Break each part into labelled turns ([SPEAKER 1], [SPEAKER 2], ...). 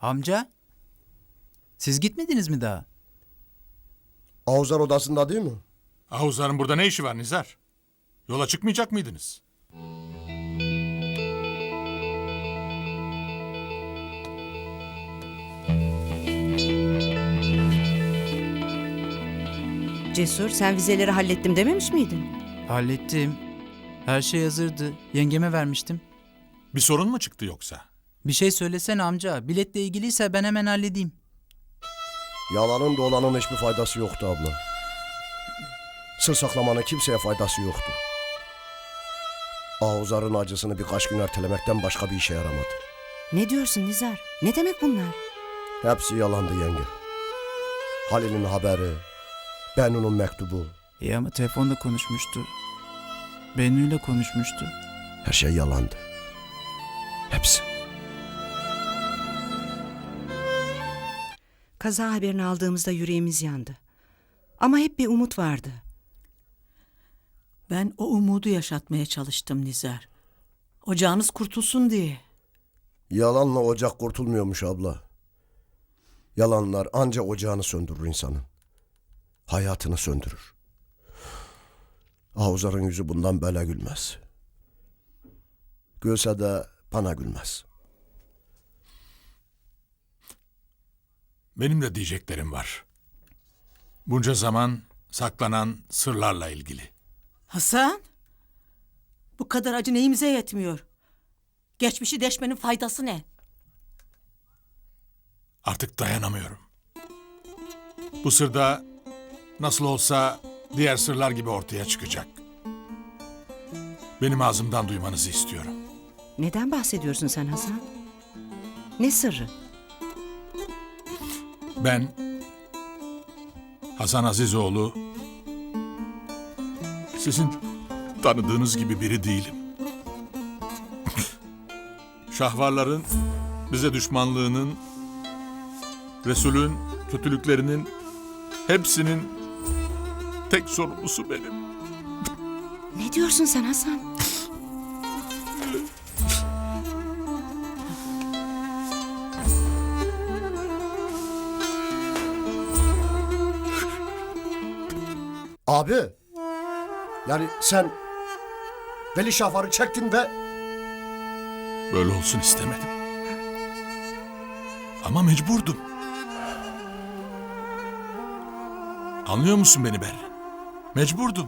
[SPEAKER 1] Amca, siz gitmediniz mi daha?
[SPEAKER 2] Avuzar odasında değil mi?
[SPEAKER 3] Ahuzların burada ne işi var Nizar? Yola çıkmayacak mıydınız?
[SPEAKER 4] Cesur, sen vizeleri hallettim dememiş miydin?
[SPEAKER 1] Hallettim. Her şey hazırdı. Yengeme vermiştim.
[SPEAKER 3] Bir sorun mu çıktı yoksa?
[SPEAKER 1] Bir şey söylesene amca. Biletle ilgiliyse ben hemen halledeyim.
[SPEAKER 2] Yalanın dolanın hiçbir faydası yoktu abla. Sır saklamanın kimseye faydası yoktu. Avuzar'ın acısını birkaç gün ertelemekten başka bir işe yaramadı.
[SPEAKER 4] Ne diyorsun Nizar? Ne demek bunlar?
[SPEAKER 2] Hepsi yalandı yenge. Halil'in haberi, Bennu'nun mektubu,
[SPEAKER 1] İyi ama telefonda konuşmuştu. Bennu'yla konuşmuştu.
[SPEAKER 2] her şey yalandı. Hepsi.
[SPEAKER 4] Kaza haberini aldığımızda yüreğimiz yandı. Ama hep bir umut vardı.
[SPEAKER 5] Ben o umudu yaşatmaya çalıştım Nizar. Ocağınız kurtulsun diye.
[SPEAKER 2] Yalanla ocak kurtulmuyormuş abla. Yalanlar anca ocağını söndürür insanın. Hayatını söndürür. Avuzar'ın yüzü bundan böyle gülmez. Gülse de bana gülmez.
[SPEAKER 3] Benim de diyeceklerim var. Bunca zaman saklanan sırlarla ilgili.
[SPEAKER 5] Hasan, bu kadar acı neyimize yetmiyor? Geçmişi deşmenin faydası ne?
[SPEAKER 3] Artık dayanamıyorum. Bu sır da nasıl olsa diğer sırlar gibi ortaya çıkacak. Benim ağzımdan duymanızı istiyorum.
[SPEAKER 4] Neden bahsediyorsun sen Hasan? Ne sırrı?
[SPEAKER 3] Ben Hasan Azizoğlu, sizin tanıdığınız gibi biri değilim. Şahvarların bize düşmanlığının, Resul'ün kötülüklerinin hepsinin tek sorumlusu benim.
[SPEAKER 4] Ne diyorsun sen Hasan?
[SPEAKER 2] Abi, yani sen Veli Şahvar'ı çektin ve
[SPEAKER 3] Böyle olsun istemedim. Ama mecburdum. Anlıyor musun beni Berrin? Mecburdum.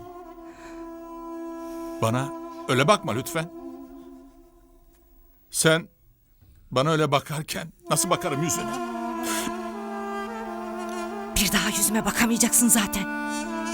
[SPEAKER 3] Bana öyle bakma lütfen. Sen bana öyle bakarken nasıl bakarım yüzüne?
[SPEAKER 4] Bir daha yüzüme bakamayacaksın zaten.